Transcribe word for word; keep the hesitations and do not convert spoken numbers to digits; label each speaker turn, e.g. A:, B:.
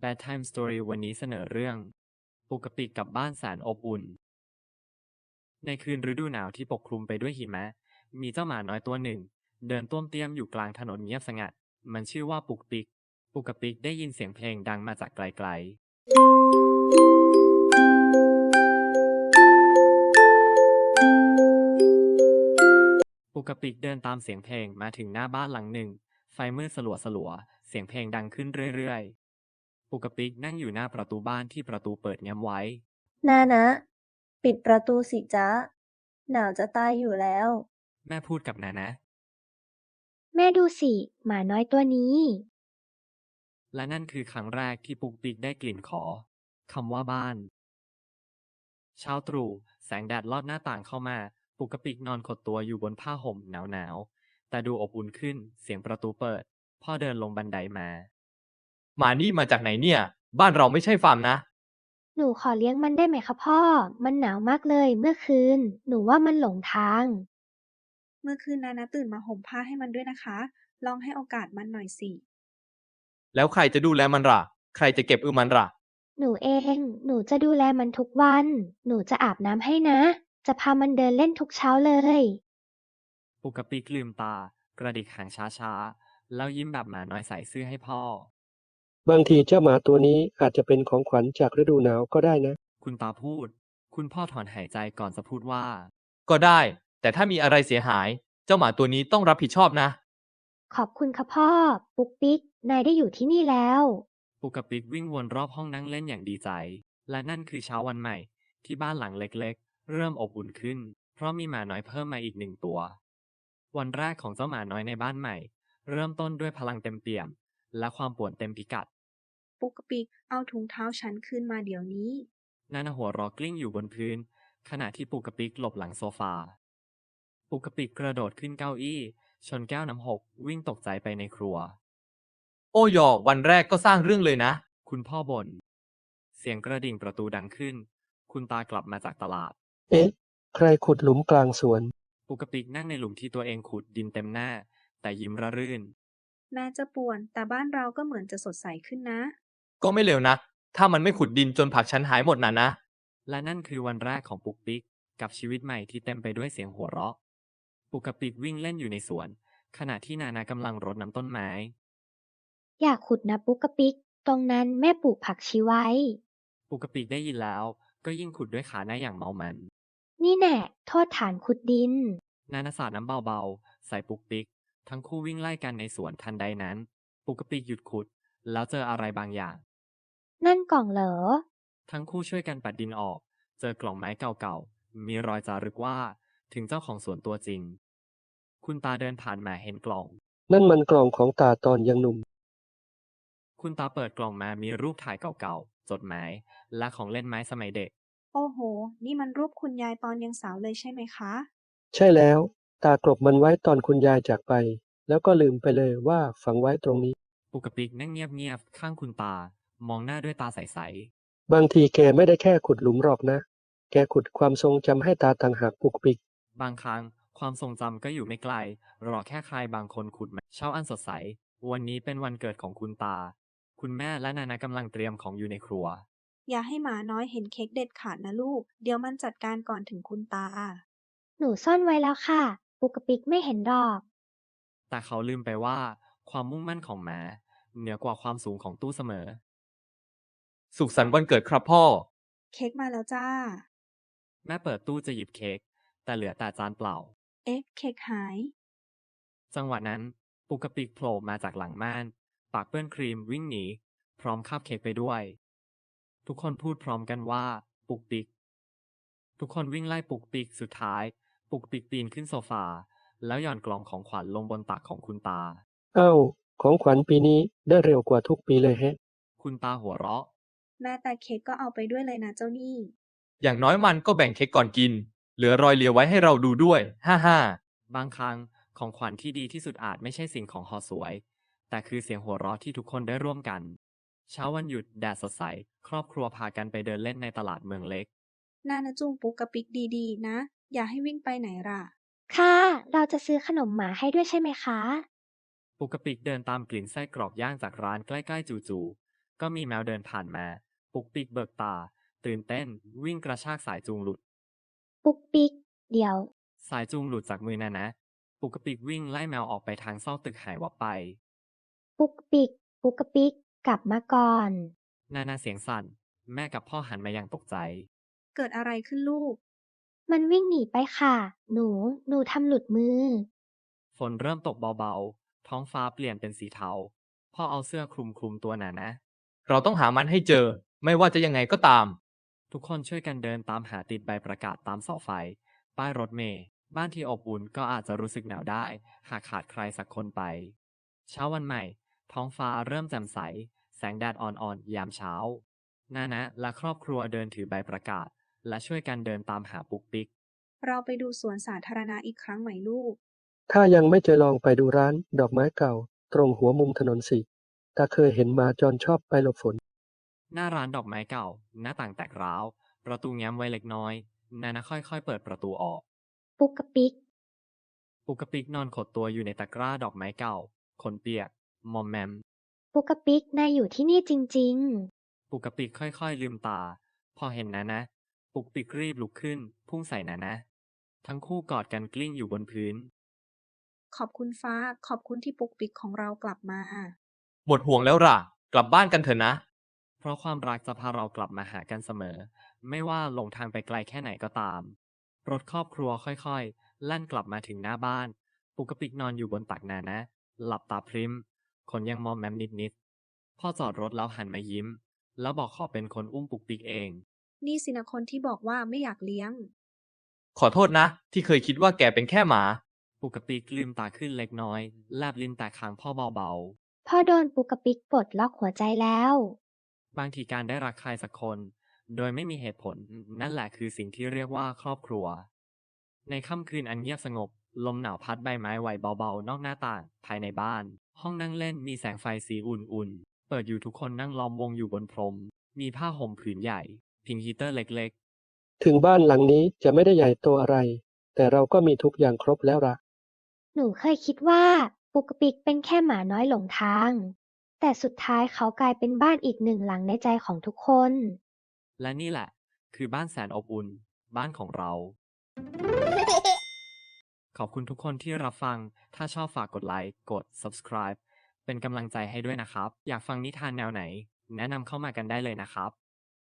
A: Bedtime Story วันนี้เสนอเรื่องปุกปิกกับบ้านแสนอบอุ่นในคืนฤดูหนาวที่ปกคลุมไปด้วยหิมะมีเจ้าหมาน้อยตัวหนึ่งเดินต้วมเตี้ยมอยู่กลางถนนเงียบสงัดมันชื่อว่าปุกปิกปุกปิกได้ยินเสียงเพลงดังมาจากไกลๆปุกปิกเดินตามเสียงเพลงมาถึงหน้าบ้านหลังหนึ่งไฟมืดสลัวสลัวเสียงเพลงดังขึ้นเรื่อยๆปุกปิกนั่งอยู่หน้าประตูบ้านที่ประตูเปิดแง้มไว้
B: นานะปิดประตูสิจ๊ะหนาวจะตายอยู่แล้ว
A: แม่พูดกับนานะ
C: แม่ดูสิ หมาน้อยตัวนี้
A: และนั่นคือครั้งแรกที่ปุกปิกได้กลิ่นขอคำว่าบ้านเช้าตรู่แสงแดดลอดหน้าต่างเข้ามาปุกปิกนอนขดตัวอยู่บนผ้าห่มหนาวๆแต่ดูอบอุ่นขึ้นเสียงประตูเปิดพ่อเดินลงบันไดมา
D: หมานี่มาจากไหนเนี่ย บ้านเราไม่ใช่ฟาร์มนะ
C: หนูขอเลี้ยงมันได้ไหมคะพ่อ มันหนาวมากเลยเมื่อคืน หนูว่ามันหลงทาง
B: เมื่อคืนนานะตื่นมาห่มผ้าให้มันด้วยนะคะ ลองให้โอกาสมันหน่อยสิ
D: แล้วใครจะดูแลมันล่ะ ใครจะเก็บอือมันล่ะ
C: หนูเอง หนูจะดูแลมันทุกวัน หนูจะอาบน้ำให้นะ จะพามันเดินเล่นทุกเช้าเลย
A: ปุกปิกลืมตากระดิกหางช้าๆแล้วยิ้มแบบหมาน้อยใส่ซื่อให้พ่อบ
E: างทีเจ้าหมาตัวนี้อาจจะเป็นของขวัญจากฤดูหนาวก็ได้นะ
A: คุณตาพูดคุณพ่อถอนหายใจก่อนจะพูดว่า
D: ก็ได้ แต่ถ้ามีอะไรเสียหาย เจ้าหมาตัวนี้ต้องรับผิดชอบนะ
C: ขอบคุณค่ะพ่อ ปุ๊กปิ๊ก นายได้อยู่ที่นี่แล้ว
A: ปุกปิกวิ่งวนรอบห้องนั่งเล่นอย่างดีใจ และนั่นคือเช้าวันใหม่ที่บ้านหลังเล็กๆ เริ่มอบอุ่นขึ้น เพราะมีหมาน้อยเพิ่มมาอีกหนึ่งตัว วันแรกของเจ้าหมาน้อยในบ้านใหม่ เริ่มต้นด้วยพลังเต็มเปี่ยม และความป่วนเต็มพิกัด
B: ปุกปิกเอาถุงเท้าฉันคืนมาเดี๋ยวนี้
A: นานาหัวเรอกลิ้งอยู่บนพื้น ขณะที่ปุกปิกหลบหลังโซฟา ปุกปิกกระโดดขึ้นเก้าอี้ ชนแก้วน้ำหกวิ่งตกใจไปในครัว
D: โอ้ยอวันแรกก็สร้างเรื่องเลยนะ
A: คุณพ่อบ่น เสียงกระดิ่งประตูดังขึ้น คุณตากลับมาจากตลาด
E: เอ๊ะ ใครขุดหลุมกลางสวน
A: ปุกปิกนั่งในหลุมที่ตัวเองขุดดินเต็มหน้า แต่ยิ้มระรื่น
B: แม้จะป่วน แต่บ้านเราก็เหมือนจะสดใสขึ้นนะ
D: ก็ไม่เร็วนัก ถ้ามันไม่ขุดดินจนผักฉันหายหมดน่ะนะ
A: และนั่นคือวันแรกของปุกปิกกับชีวิตใหม่ที่เต็มไปด้วยเสียงหัวเราะ ปุกปิกวิ่งเล่นอยู่ในสวน ขณะที่นานากำลังรดน้ำต้นไม้
C: อยากขุดนะปุ๊กปิ๊ก ตรงนั้นแม่ปลูกผักชีไว้
A: ปุกปิกได้ยินแล้ว ก็ยิ่งขุดด้วยขาหน้าอย่างเมามัน
C: นี่แน่โทษฐานขุดดิน
A: นานาสาดน้ำเบาๆ ใส่ปุกปิก ทั้งคู่วิ่งไล่กันในสวนทันใดนั้น ปุกปิกหยุดขุด แล้วเจออะไรบางอย่าง
C: นั่นกล่องเหรอ
A: ทั้งคู่ช่วยกันปัดดินออก เจอกล่องไม้เก่าๆ มีรอยจารึกว่าถึงเจ้าของสวนตัวจริง คุณตาเดินผ่านมาเห็นกล่อง
E: นั่นมันกล่องของตาตอนยังหนุ่ม
A: คุณตาเปิดกล่องมามีรูปถ่ายเก่าๆ จดหมาย และของเล่นไม้สมัยเด็ก
B: โอ้โห นี่มันรูปคุณยายตอนยังสาวเลยใช่ไหมคะ
E: ใช่แล้ว ตากลบมันไว้ตอนคุณยายจากไป แล้วก็ลืมไปเลยว่าฝังไว้ตรงนี้
A: ปุกปิกนั่งเงียบๆ ข้างคุณตา มองหน้าด้วยตาใส
E: บางทีแกไม่ได้แค่ขุดหลุมหรอกนะ แกขุดความทรงจำให้ตาต่างหากปุกปิก
A: ๆ บางครั้งความทรงจำก็อยู่ไม่ไกล รอแค่ใครบางคนขุดมาเช้าอันสดใส วันนี้เป็นวันเกิดของคุณตา คุณแม่และนานากำลังเตรียมของอยู่ในครัว
B: อย่าให้หมาน้อยเห็นเค้กเด็ดขาดนะลูก เดี๋ยวมันจัดการก่อนถึงคุณตา
C: หนูซ่อนไว้แล้วค่ะ ปุ๊กปิ๊กไม่เห็นหรอก
A: แต่เขาลืมไปว่าความมุ่งมั่นของหมาเหนือกว่าความสูงของตู้เสมอ
D: สุขสันต์วันเกิดครับพ่อ
B: เค้กมาแล้วจ้า
A: แม่เปิดตู้จะหยิบเค้ก แต่เหลือแต่จานเปล่า
B: เอ๊ะ เค้กหาย
A: จังหวะนั้นปุกปิกโผล่มาจากหลังม่าน ปากเปื้อนครีมวิ่งหนี พร้อมคาบเค้กไปด้วย ทุกคนพูดพร้อมกันว่า ปุกปิก ทุกคนวิ่งไล่ปุกปิกสุดท้าย ปุกปิกปีนขึ้นโซฟา แล้วหย่อนกล่องของขวัญลงบนตักของคุณตา
E: เอ้า ของขวัญปีนี้ได้เร็วกว่าทุกปีเลยแฮะ
A: คุณตาหัวเราะ
B: แม่แต่เค้กก็เอาไปด้วยเลยนะเจ้านี่
D: อย่างน้อยมันก็แบ่งเค้กก่อนกิน เหลือรอยเหลียวไว้ให้เราดูด้วย ฮ่าฮ่า
A: บางครั้งของขวัญที่ดีที่สุดอาจไม่ใช่สิ่งของห่อสวย แต่คือเสียงหัวเราะที่ทุกคนได้ร่วมกัน เช้าวันหยุดแดดสดใส ครอบครัวพากันไปเดินเล่นในตลาดเมืองเล็ก
B: นานะจูงปุกกะปิกดีๆ นะ อย่าให้วิ่งไปไหนล่ะ
C: ค่ะ เราจะซื้อขนมหมาให้ด้วยใช่ไหมคะ
A: ปุกปิกเดินตามกลิ่นไส้กรอกย่างจากร้านใกล้ๆจู่ก็มีแมวเดินผ่านมา ปุกปิกเบิกตา ตื่นเต้น วิ่งกระชากสายจูงหลุด
C: ปุ๊กปิ๊ก เดี๋ยว
A: สายจูงหลุดจากมือนานะ ปุกปิกวิ่งไล่แมวออกไปทางซอกตึกหายวับไป
C: ปุ๊กปิ๊ก ปุ๊กปิ๊ก กลับมาก่อน
A: นานาเสียงสั่น แม่กับพ่อหันมาอย่างตกใจ
B: เกิดอะไรขึ้นลูก
C: มันวิ่งหนีไปค่ะ หนู หนูทำหลุดมือ
A: ฝนเริ่มตกเบาๆ ท้องฟ้าเปลี่ยนเป็นสีเทา พ่อเอาเสื้อคลุมคลุมตัวนานะ
D: เราต้องหามันให้เจอ ไม่ว่าจะยังไงก็ตาม
A: ทุกคนช่วยกันเดินตามหาติดใบประกาศตามเสาไฟ ป้ายรถเมล์ บ้านที่อบอุ่นก็อาจจะรู้สึกหนาวได้ หากขาดใครสักคนไป เช้าวันใหม่ ท้องฟ้าเริ่มแจ่มใส แสงแดดอ่อนๆ ยามเช้า นานะและครอบครัวเดินถือใบประกาศ และช่วยกันเดินตามหาปุกปิก
B: เราไปดูสวนสาธารณะอีกครั้งไหมลูก
E: ถ้ายังไม่เจอลองไปดูร้านดอกไม้เก่า ตรงหัวมุมถนนสิตาเคยเห็นหมาจรชอบไปหลบฝน
A: หน้าร้านดอกไม้เก่า หน้าต่างแตกร้าว ประตูแง้มไว้เล็กน้อย นานะค่อยๆ เปิดประตูออก
C: ปุ๊กปิ๊ก
A: ปุกปิกนอนขดตัวอยู่ในตะกร้าดอกไม้เก่า ขนเปียก มอมแมม
C: ปุ๊กปิ๊ก นายอยู่ที่นี่จริง
A: ปุกปิกค่อยๆ ลืมตา พอเห็นนานะ ปุกปิกรีบลุกขึ้น พุ่งใส่นานะ ทั้งคู่กอดกันกลิ้งอยู่บนพื้น
B: ขอบคุณฟ้า ขอบคุณที่ปุกปิกของเรากลับมา
D: หมดห่วงแล้วล่ะ กลับบ้านกันเถอะนะ
A: เพราะความรักจะพาเรากลับมาหากันเสมอ ไม่ว่าหลงทางไปไกลแค่ไหนก็ตาม รถครอบครัวค่อยๆแล่นกลับมาถึงหน้าบ้าน ปุกปิกนอนอยู่บนตักนานะ หลับตาพริมขนยังมอมแมมนิดๆ พ่อจอดรถแล้วหันมายิ้ม แล้วบอกขอเป็นคนอุ้มปุกปิกเอง
B: นี่สินะคนที่บอกว่าไม่อยากเลี้ยง
D: ขอโทษนะ ที่เคยคิดว่าแกเป็นแค่หมา
A: ปุกปิกลืมตาขึ้นเล็กน้อย แลบลิ้นแตะคางพ่อเบา
C: ๆ พ่อโดนปุ๊กปิ๊กปลดล็อกหัวใจแล้ว
A: ๆ บางทีการได้รักใครสักคน โดยไม่มีเหตุผล นั่นแหละคือสิ่งที่เรียกว่าครอบครัว ในค่ำคืนอันเงียบสงบ ลมหนาวพัดใบไม้ไหวเบาๆ นอกหน้าต่าง ภายในบ้าน ห้องนั่งเล่นมีแสงไฟสีอุ่นๆ เปิดอยู่ทุกคนนั่งล้อมวงอยู่บนพรม มีผ้าห่มผืนใหญ่ พิงฮีเตอร์เล็ก
E: ถึงบ้านหลังนี้จะไม่ได้ใหญ่โตอะไร แต่เราก็มีทุกอย่างครบแล้วล่ะ
C: หนูเคยคิดว่า ปุ๊กปิ๊กเป็นแค่หมาน้อยหลงทาง แต่สุดท้ายเขากลายเป็นบ้านอีกหนึ่งหลังในใจของทุกคน
A: ๆ และนี่แหละ คือบ้านแสนอบอุ่น บ้านของเรา ขอบคุณทุกคนที่รับฟัง ถ้าชอบฝากกดไลค์ กด Subscribe เป็นกำลังใจให้ด้วยนะครับ อยากฟังนิทานแนวไหน แนะนำเข้ามากันได้เลยนะครับ